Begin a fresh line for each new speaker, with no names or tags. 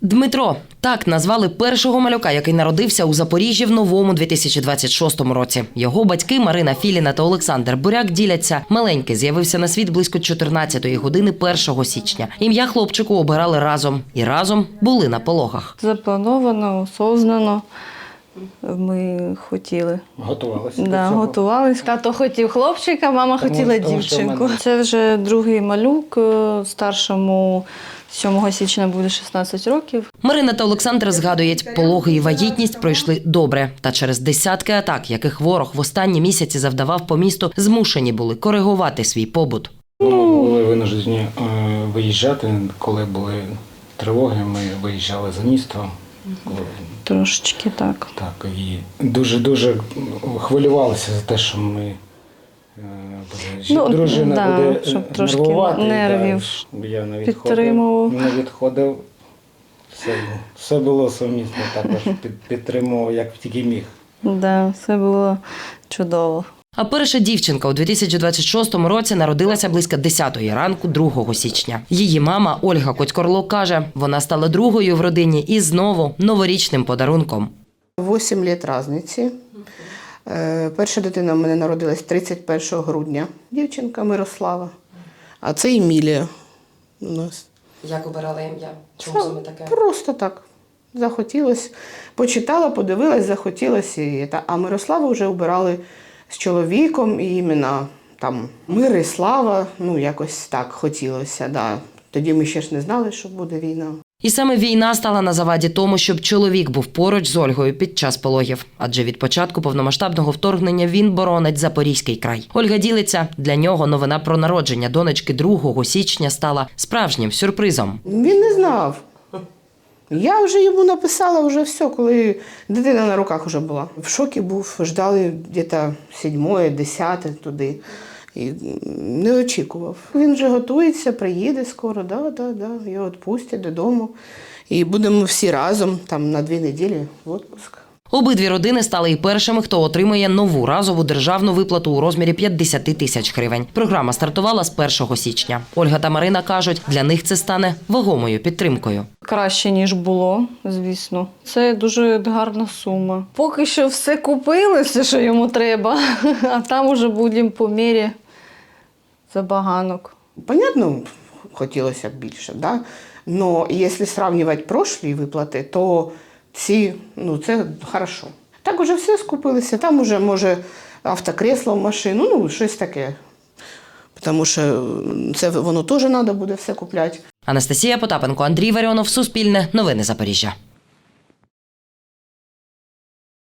Дмитро – так назвали першого малюка, який народився у Запоріжжі в новому 2026 році. Його батьки Марина Філіна та Олександр Буряк діляться. Маленький з'явився на світ близько 14-ї години 1 січня. Ім'я хлопчику обирали разом. І разом були на пологах.
Заплановано, осознано. Ми хотіли.
Готувалися?
Да, готувалися. Тато хотів хлопчика, мама хотіла дівчинку. Це вже другий малюк, старшому 7 січня буде 16 років.
Марина та Олександр згадують, пологи і вагітність пройшли добре. Та через десятки атак, яких ворог в останні місяці завдавав по місту, змушені були коригувати свій побут.
Ми були винуждені виїжджати, коли були тривоги, ми виїжджали за місто.
Трошечки так.
Так, і дуже хвилювалися за те, що ми дружина буде
щоб трошки
нервувати.
нервів
Я не
підтримував.
відходив. Все було сумісно, також підтримував, як тільки міг.
Да, все було чудово.
А перша дівчинка у 2026 році народилася близько 10-ї ранку 2 січня. Її мама Ольга Котькорло каже, вона стала другою в родині і знову новорічним подарунком.
8 років різниці. Перша дитина в мене народилась 31 грудня. Дівчинка Мирослава. А це Емілія у нас.
Як обирала ім'я? Чому саме таке?
Просто так. Захотілося. Почитала, подивилась, захотілося. А Мирославу вже обирали з чоловіком, і іменно там Мир і Слава, якось так хотілося. Да. Тоді ми ще ж не знали, що буде війна.
І саме війна стала на заваді тому, щоб чоловік був поруч з Ольгою під час пологів. Адже від початку повномасштабного вторгнення він боронить Запорізький край. Ольга ділиться, для нього новина про народження донечки 2 січня стала справжнім сюрпризом.
Він не знав. Я вже йому написала вже все, коли дитина на руках вже була. В шокі був, ждали десь 7-е, 10-те туди. І не очікував. Він вже готується, приїде скоро, його відпустять додому. І будемо всі разом, там на 2 неділі в відпуск.
Обидві родини стали і першими, хто отримує нову разову державну виплату у розмірі 50 тисяч гривень. Програма стартувала з 1 січня. Ольга та Марина кажуть, для них це стане вагомою підтримкою.
Краще, ніж було, звісно. Це дуже гарна сума. Поки що все купили, все, що йому треба, а там уже будемо по мірі забаганок.
Понятно, хотілося б більше, да? Но якщо порівнювати прошлі виплати, то ці, це хорошо. Так уже все скупилися, там уже, може, автокресло, машину, щось таке. Тому що це воно теж треба буде все купляти.
Анастасія Потапенко, Андрій Варіонов, Суспільне, Новини Запоріжжя.